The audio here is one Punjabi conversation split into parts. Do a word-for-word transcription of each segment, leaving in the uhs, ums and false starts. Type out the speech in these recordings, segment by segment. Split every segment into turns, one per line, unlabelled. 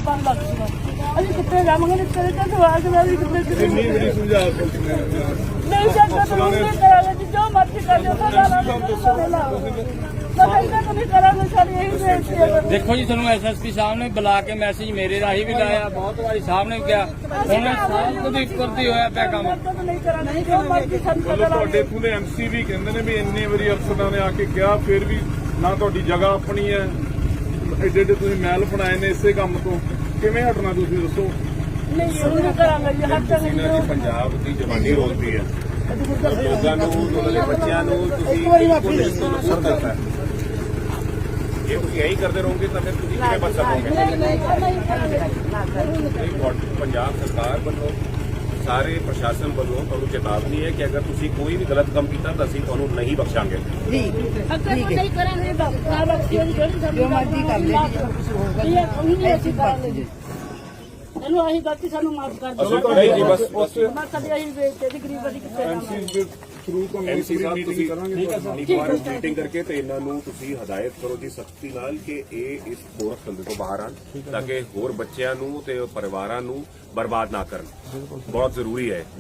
पाँच लाख अभी कितने जाएंगे तेरे का सवाल के बाद कितने
कितनी बड़ी सुझाव
नहीं सकता तो हम नहीं करांगे जी, जो मर्जी कर लो सजा ला तो नहीं करांगे सर, यही बेनती है।
देखो जी ਤੁਹਾਨੂੰ ਐਸਐਸਪੀ ਸਾਹਿਬ ਨੇ ਬੁਲਾ ਕੇ ਮੈਸੇਜ ਮੇਰੇ ਰਾਹੀਂ ਵੀ ਲਾਇਆ, ਬਹੁਤ ਵਾਰੀ ਸਾਹਿਬ ਨੇ ਕਿਹਾ, ਹੁਣ ਸਭ ਕੁਝ ਇੱਕਰ ਦੀ ਹੋਇਆ ਪਿਆ ਕੰਮ।
नहीं करांगे जो मर्जी सजा ला।
ਤੁਹਾਡੇ ਇੱਥੋਂ ਦੇ ਐਮਸੀ ਵੀ ਕਹਿੰਦੇ ਨੇ ਵੀ ਇੰਨੇ ਵਾਰੀ ਅਫਸਰਾਂ ਨੇ ਆ ਕੇ ਕਿਹਾ, ਫਿਰ ਵੀ ਨਾ ਤੁਹਾਡੀ ਜਗ੍ਹਾ ਆਪਣੀ ਹੈ, ਐਡੇ ਐਡੇ ਤੁਸੀਂ ਮਹਿਲ ਬਣਾਏ ਨੇ ਇਸੇ ਕੰਮ ਤੋਂ, ਕਿਵੇਂ ਹਟਣਾ ਤੁਸੀਂ ਦੱਸੋ?
नहीं नहीं करांगे जी, हर जगह
ਪੰਜਾਬ ਦੀ ਜਵਾਨੀ ਰੋਲਦੀ ਹੈ, ਲੋਕਾਂ ਨੂੰ ਉਹਨਾਂ ਦੇ ਬੱਚਿਆਂ ਨੂੰ ਤੁਸੀਂ ਪੁਲਿਸ ਨੂੰ ਨੁਕਸਾਨ ਕਰਤਾ ਹੈ। ਜੇ ਤੁਸੀਂ ਇਹੀ ਕਰਦੇ ਰਹੋਗੇ ਤਾਂ ਫਿਰ ਤੁਸੀਂ ਕਿਵੇਂ ਬਚ ਸਕੋਗੇ? ਪੰਜਾਬ ਸਰਕਾਰ ਵੱਲੋਂ ਸਾਰੇ ਪ੍ਰਸ਼ਾਸਨ ਵੱਲੋਂ ਤੁਹਾਨੂੰ ਚੇਤਾਵਨੀ ਹੈ ਕਿ ਅਗਰ ਤੁਸੀਂ ਕੋਈ ਵੀ ਗਲਤ ਕੰਮ ਕੀਤਾ ਤਾਂ ਅਸੀਂ ਤੁਹਾਨੂੰ ਨਹੀਂ ਬਖਸ਼ਾਂਗੇ।
जी अगर नहीं करांगे ना बख्शियो जो मर्जी कर ले ये उन्हीं ऐसी कर ले ਇਹਨੂੰ ਅਸੀਂ ਗਲਤੀ ਸਾਨੂੰ ਮਾਫ ਕਰ ਦਿਓ।
ਨਹੀਂ ਜੀ, ਬਸ ਬਸ
ਬਸ ਸਾਡੇ ਅਸੀਂ ਵੇਚਦੇ ਦੀ ਗਰੀਬ ਦੀ ਕਿੱਥੇ
ਐਮਸੀ ਦੇ ਥਰੂ ਤੋਂ
ਐਮਸੀ ਸਾਹਿਬ
ਮੀਟਿੰਗ
ਤੁਸੀਂ
ਕਰਾਂਗੇ।
ਇੱਕ ਵਾਰ ਮੀਟਿੰਗ ਕਰਕੇ ਤੇ ਇਹਨਾਂ ਨੂੰ ਤੁਸੀਂ ਹਦਾਇਤ ਕਰੋ ਜੀ ਸਖਤੀ ਨਾਲ ਕਿ ਇਹ ਇਸ ਗੋਰਖ ਧੰਦੇ ਤੋਂ ਬਾਹਰ ਆਣ, ਤਾਂ ਕਿ ਹੋਰ ਬੱਚਿਆਂ ਨੂੰ ਤੇ ਪਰਿਵਾਰਾਂ ਨੂੰ ਬਰਬਾਦ ਨਾ ਕਰਨ। ਬਹੁਤ ਜ਼ਰੂਰੀ ਹੈ।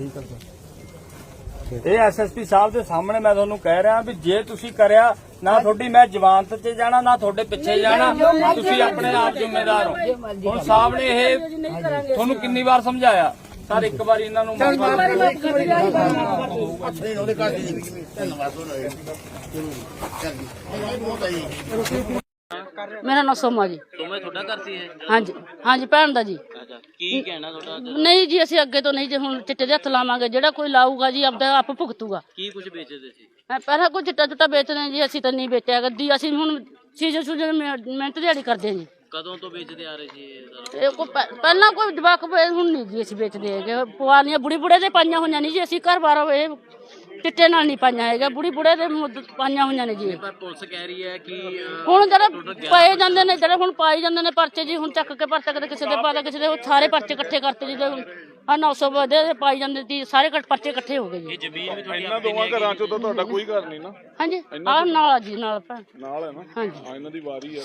ਇਹ ਐਸਐਸਪੀ ਸਾਹਿਬ ਦੇ ਸਾਹਮਣੇ ਮੈਂ ਤੁਹਾਨੂੰ ਕਹਿ ਰਿਹਾ ਵੀ ਜੇ ਤੁਸੀਂ ਕਰਿਆ ਨਾ ਤੁਹਾਡੀ ਮੈਂ ਜ਼ਮਾਨਤ 'ਚ ਜਾਣਾ ਨਾ ਤੁਹਾਡੇ ਪਿੱਛੇ ਜਾਣਾ, ਤੁਸੀਂ ਆਪਣੇ ਆਪ ਜ਼ਿੰਮੇਦਾਰ ਹੋ। ਹੁਣ ਸਾਹਿਬ ਨੇ ਇਹ ਤੁਹਾਨੂੰ ਕਿੰਨੀ ਵਾਰ ਸਮਝਾਇਆ ਸਰ, ਇੱਕ ਵਾਰੀ ਇਹਨਾਂ ਨੂੰ
ਮੇਰਾ ਨਾਮ ਸੋਮਾ ਜੀ।
ਸੋਮਾ ਤੁਹਾਡਾ ਘਰ ਸੀ ਇਹ?
ਹਾਂਜੀ ਹਾਂਜੀ ਭੈਣ ਦਾ ਜੀ।
ਅੱਛਾ, ਕੀ ਕਹਿਣਾ ਤੁਹਾਡਾ?
ਨਹੀਂ ਜੀ ਅਸੀਂ ਅੱਗੇ ਤੋਂ ਨਹੀਂ, ਜੇ ਹੁਣ ਚਿੱਟੇ ਦੇ ਹੱਥ ਲਾਵਾਂਗੇ, ਜਿਹੜਾ ਕੋਈ ਲਾਊਗਾ ਜੀ ਆਪਦਾ ਆਪ ਭੁਗਤੂਗਾ।
ਕੀ ਕੁਝ ਵੇਚਦੇ ਸੀ?
ਮੈਂ ਪਹਿਲਾਂ ਕੋਈ ਚਿੱਟਾ ਚੁੱਟਾ ਵੇਚਦੇ ਜੀ, ਅਸੀਂ ਤਾਂ ਨਹੀਂ ਵੇਚਿਆ ਗੱਦੀ, ਅਸੀਂ ਹੁਣ ਸੀਜ਼ਨ ਸੂਜਨ ਮਿਹਨਤ ਦਿਹਾੜੀ ਕਰਦੇ ਜੀ।
ਕਦੋਂ ਤੋਂ ਵੇਚਦੇ ਆ ਰਹੇ ਸੀ ਇਹ ਸਾਰਾ?
ਇਹ ਕੋਈ ਪਹਿ- ਪਹਿਲਾਂ ਕੋਈ ਜਵਾਕ ਵੇ- ਹੁਣ ਨਹੀਂ ਜੀ ਅਸੀਂ ਵੇਚਦੇ ਹੈਗੇ, ਪੁਆਲੀਆਂ ਬੁੜੀ ਬੁੜੇ ਦੇ ਪਾਈਆਂ ਹੋਈਆਂ ਨਹੀਂ ਜੀ, ਅਸੀਂ ਘਰ ਬਾਰ ਇਹ ਚਿੱਟੇ ਨਾਲ ਨਹੀਂ ਪਾਈਆਂ ਹੈਗਾ, ਬੁੜੀ ਬੁੜੇ ਦੇ ਮੁੱਦ ਪਾਈਆਂ ਹੋਈਆਂ ਨੇ ਜੀ।
ਪਰ ਪੁਲਿਸ ਕਹਿ ਰਹੀ ਹੈ ਕਿ ਅਹ,
ਹੁਣ ਜਿਹੜੇ ਪਏ ਜਾਂਦੇ ਨੇ, ਜਿਹੜੇ ਹੁਣ ਪਾਈ ਜਾਂਦੇ ਨੇ ਪਰਚੇ ਜੀ, ਹੁਣ ਚੱਕ ਕੇ ਪਰਚਾ ਕਦੇ ਕਿਸੇ ਦੇ ਪਾਦਾ ਕਿਸੇ ਦੇ, ਉਹ ਸਾਰੇ ਪਰਚੇ ਇਕੱਠੇ ਕਰਤੇ ਜੀ। ਆ ਨੌ ਸੌ ਵਧੇ ਪਾਈ ਜਾਂਦੇ ਸੀ, ਸਾਰੇ ਕੱਟ ਪਰਚੇ ਇਕੱਠੇ ਹੋ ਗਏ ਜੀ।
ਇਹ ਜ਼ਮੀਨ ਵੀ ਤੁਹਾਡੀ
ਇਹਨਾਂ ਦੋਵਾਂ ਘਰਾਂ ਚੋਂ ਤਾਂ ਤੁਹਾਡਾ ਕੋਈ ਘਰ ਨਹੀਂ ਨਾ
ਹਾਂਜੀ ਆਹ ਨਾਲ ਆ ਜੀ, ਨਾਲ ਭੈਣ।
ਨਾਲ ਹੈ ਨਾ?
ਹਾਂਜੀ
ਹਾਂ, ਇਹਨਾਂ ਦੀ ਵਾਰੀ ਹੈ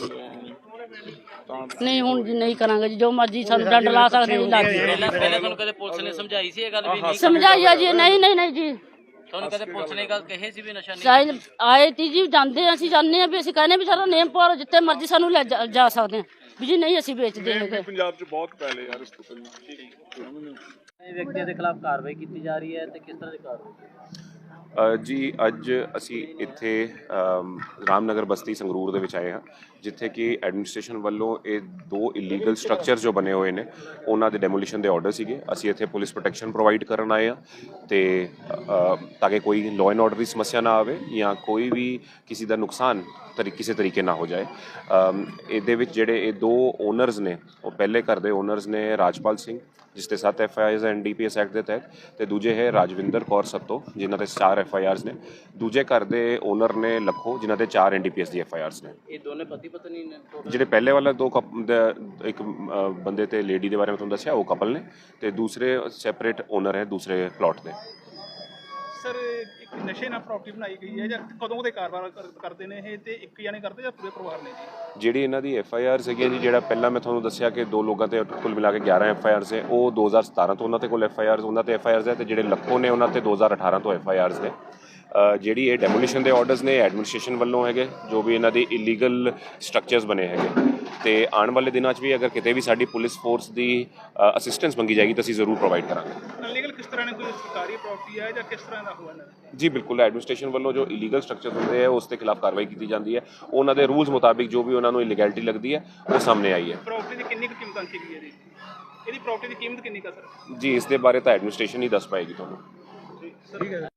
ਤਾਂ
ਨਹੀਂ ਹੁਣ ਜੀ ਨਹੀਂ ਕਰਾਂਗੇ ਜੀ, ਜੋ ਮਰਜੀ ਸਾਨੂੰ ਡੰਡ ਲਾ ਸਕਦੇ ਜੀ, ਲੱਗ
ਪਹਿਲਾਂ ਪਹਿਲਾਂ ਤੁਹਾਨੂੰ ਕਦੇ ਪੁਲਿਸ ਨੇ ਸਮਝਾਈ ਸੀ ਇਹ ਗੱਲ ਵੀ ਨਹੀਂ?
ਸਮਝਾਈਆ ਜੀ, ਨਹੀਂ ਨਹੀਂ ਨਹੀਂ ਜੀ।
ਤੁਹਾਨੂੰ ਕਦੇ ਪੁਲਿਸ ਨੇ ਗੱਲ ਕਹੀ ਸੀ ਵੀ ਨਸ਼ਾ ਨਹੀਂ?
ਸਾਈਨ ਆਏ ਤੀ ਜੀ, ਜਾਂਦੇ ਅਸੀਂ ਜਾਂਦੇ ਆ ਵੀ ਅਸੀਂ ਕਹਿੰਦੇ ਵੀ ਸਾਡਾ ਨੇਮ ਪਾਓ, ਜਿੱਥੇ ਮਰਜੀ ਸਾਨੂੰ ਲੈ ਜਾ- ਜਾ ਸਕਦੇ ਆ ਵੀ ਜੀ, ਨਹੀਂ ਅਸੀਂ ਵੇਚਦੇ ਹੈਗੇ।
ਪੰਜਾਬ 'ਚ ਬਹੁਤ ਪਹਿਲੇ ਯਾਰ ਇਸ ਤੋਂ ਪਹਿਲਾਂ
ਇਹ ਵਿਅਕਤੀ ਦੇ ਖਿਲਾਫ ਕਾਰਵਾਈ ਕੀਤੀ ਜਾ ਰਹੀ ਹੈ ਤੇ ਕਿਸ ਤਰ੍ਹਾਂ ਦੀ ਕਾਰਵਾਈ?
ਅ, ਜੀ ਅੱਜ ਅਸੀਂ ਇੱਥੇ ਅਮ, ਰਾਮਨਗਰ ਬਸਤੀ ਸੰਗਰੂਰ ਦੇ ਵਿੱਚ ਆਏ ਹਾਂ, ਜਿੱਥੇ ਕਿ ਐਡਮਿਨਿਸਟ੍ਰੇਸ਼ਨ ਵੱਲੋਂ ਇਹ ਦੋ ਇਲੀਗਲ ਸਟਰਕਚਰ ਜੋ ਬਣੇ ਹੋਏ ਨੇ ਉਹਨਾਂ ਦੇ ਡੈਮੋਲੀਸ਼ਨ ਦੇ ਆਰਡਰ ਸੀਗੇ। ਅਸੀਂ ਇੱਥੇ ਪੁਲਿਸ ਪ੍ਰੋਟੈਕਸ਼ਨ ਪ੍ਰੋਵਾਈਡ ਕਰਨ ਆਏ ਹਾਂ ਤੇ ਅ, ਤਾਂ ਕਿ ਕੋਈ ਲਾਅ ਐਂਡ ਆਰਡਰ ਦੀ ਸਮੱਸਿਆ ਨਾ ਆਵੇ ਜਾਂ ਕੋਈ ਵੀ ਕਿਸੇ ਦਾ ਨੁਕਸਾਨ ਤਰੀ ਕਿਸੇ ਤਰੀਕੇ ਨਾ ਹੋ ਜਾਏ। ਅਮ, ਇਹਦੇ ਵਿੱਚ ਜਿਹੜੇ ਇਹ ਦੋ ਓਨਰਸ ਨੇ, ਉਹ ਪਹਿਲੇ ਘਰ ਦੇ ਓਨਰਸ ਨੇ ਰਾਜਪਾਲ ਸਿੰਘ, ਜਿਸ ਤੇ ਸੱਤ F I Rs N D P S act ਦੇ ਤਹਿਤ, ਤੇ ਦੂਜੇ ਹੈ ਰਾਜਵਿੰਦਰ ਕੌਰ ਸੱਤੋ, ਜਿਨ੍ਹਾਂ ਤੇ ਚਾਰ ਐਫ ਆਈ ਆਰਸ ਨੇ। ਦੂਜੇ ਘਰ ਦੇ ਓਨਰ ਨੇ ਲੱਖੋ, ਜਿਨ੍ਹਾਂ ਤੇ ਚਾਰ ਐਨ ਡੀ ਪੀ ਐਸ ਦੀ ਐਫ ਆਈ ਆਰਸ ਨੇ।
ਇਹ ਦੋਨੇ ਪਤੀ ਪਤਨੀ ਨੇ?
ਜਿਹੜੇ ਪਹਿਲੇ ਵਾਲਾ ਦੋ ਕਪ- ਦਾ- ਇੱਕ ਅ, ਬੰਦੇ ਤੇ ਲੇਡੀ ਦੇ ਬਾਰੇ ਮੈਂ ਤੁਹਾਨੂੰ ਦੱਸਿਆ, ਉਹ ਕਪਲ ਨੇ, ਤੇ ਦੂਸਰੇ ਸੈਪਰੇਟ ਓਨਰ ਹੈ ਦੂਸਰੇ ਪਲਾਟ ਦੇ।
ਸਰ ਇੱਕ ਨਸ਼ੇ ਨਾਲ ਪ੍ਰਾਪਰਟੀ ਬਣਾਈ ਗਈ ਹੈ ਜਾਂ ਕਦੋਂ ਦੇ ਕਾਰੋਬਾਰ ਕਰ- ਕਰਦੇ ਨੇ ਇਹ, ਤੇ ਇੱਕ ਜਾਣੇ ਕਰਦੇ ਜਾਂ ਪੂਰੇ ਪਰਿਵਾਰ ਨੇ ਜੀ?
ਜਿਹੜੀ ਇਹਨਾਂ ਦੀ ਐਫ ਆਈ ਆਰ ਸੀਗੀ ਜੀ, ਜਿਹੜਾ ਪਹਿਲਾਂ ਮੈਂ ਤੁਹਾਨੂੰ ਦੱਸਿਆ ਕਿ ਦੋ ਲੋਕਾਂ ਤੇ ਕੁੱਲ ਮਿਲਾ ਕੇ ਗਿਆਰਾਂ ਐਫ ਆਈ ਆਰਸ ਹੈ, ਉਹ ਦੋ ਹਜ਼ਾਰ ਸਤਾਰਾਂ ਤੋਂ ਉਹਨਾਂ ਤੇ ਕੋਲ ਐਫ ਆਈ ਆਰਸ ਉਹਨਾਂ ਤੇ ਐਫ ਆਈ ਆਰਸ ਹੈ, ਤੇ ਜਿਹੜੇ ਲੱਖੋਂ ਨੇ ਉਹਨਾਂ ਤੇ ਦੋ ਹਜ਼ਾਰ ਅਠਾਰਾਂ ਤੋਂ ਐਫ ਆਈ ਆਰਸ ਨੇ। ਅ, ਜਿਹੜੀ ਇਹ ਡੈਮੋਲੀਸ਼ਨ ਦੇ ਆਰਡਰਸ ਨੇ ਐਡਮਿਨਿਸਟ੍ਰੇਸ਼ਨ ਵੱਲੋਂ ਹੈਗੇ, ਜੋ ਵੀ ਇਹਨਾਂ ਦੇ ਇਲੀਗਲ ਸਟਰਕਚਰਸ ਬਣੇ ਹੈਗੇ, ਤੇ ਆਉਣ ਵਾਲੇ ਦਿਨਾਂ 'ਚ ਵੀ ਅਗਰ ਕਿਤੇ ਵੀ ਸਾਡੀ ਪੁਲਿਸ ਫੋਰਸ ਦੀ ਅਸਿਸਟੈਂਸ ਮੰਗੀ ਜਾਏਗੀ ਤਾਂ ਅਸੀਂ ਜ਼ਰੂਰ ਪ੍ਰੋਵਾਈਡ ਕਰਾਂਗੇ।
ਅਨਲੀਗਲ ਕਿਸ ਤਰ੍ਹਾਂ ਨੇ, ਕੋਈ ਸਰਕਾਰੀ ਪ੍ਰਾਪਰਟੀ ਹੈ ਜਾਂ ਕਿਸ ਤਰ੍ਹਾਂ ਦਾ ਹੋਇਆ?
ਜੀ ਬਿਲਕੁਲ, ਐਡਮਿਨਿਸਟ੍ਰੇਸ਼ਨ ਵੱਲੋਂ ਜੋ ਇਲੀਗਲ ਸਟਰਕਚਰ ਹੁੰਦੇ ਆ ਉਸ ਦੇ ਖਿਲਾਫ ਕਾਰਵਾਈ ਕੀਤੀ ਜਾਂਦੀ ਹੈ। ਉਹਨਾਂ ਦੇ ਰੂਲਸ ਮੁਤਾਬਿਕ ਜੋ ਵੀ ਉਹਨਾਂ ਨੂੰ ਇਲੀਗੈਲਿਟੀ ਲੱਗਦੀ ਹੈ ਉਹ ਸਾਹਮਣੇ ਆਈ ਹੈ।
ਪ੍ਰਾਪਰਟੀ ਦੀ ਕਿੰਨੀ ਕੁ ਕੀਮਤ ਆਂਕੀ ਗਈ ਹੈ ਜੀ? ਇਹਦੀ ਪ੍ਰਾਪਰਟੀ ਦੀ ਕੀਮਤ ਕਿੰਨੀ ਕੁ ਸਰ?
ਜੀ ਇਸ ਦੇ ਬਾਰੇ ਤਾਂ ਐਡਮਿਨਿਸਟ੍ਰੇਸ਼ਨ ਹੀ ਦੱਸ ਪਾਏਗੀ ਤੁਹਾਨੂੰ।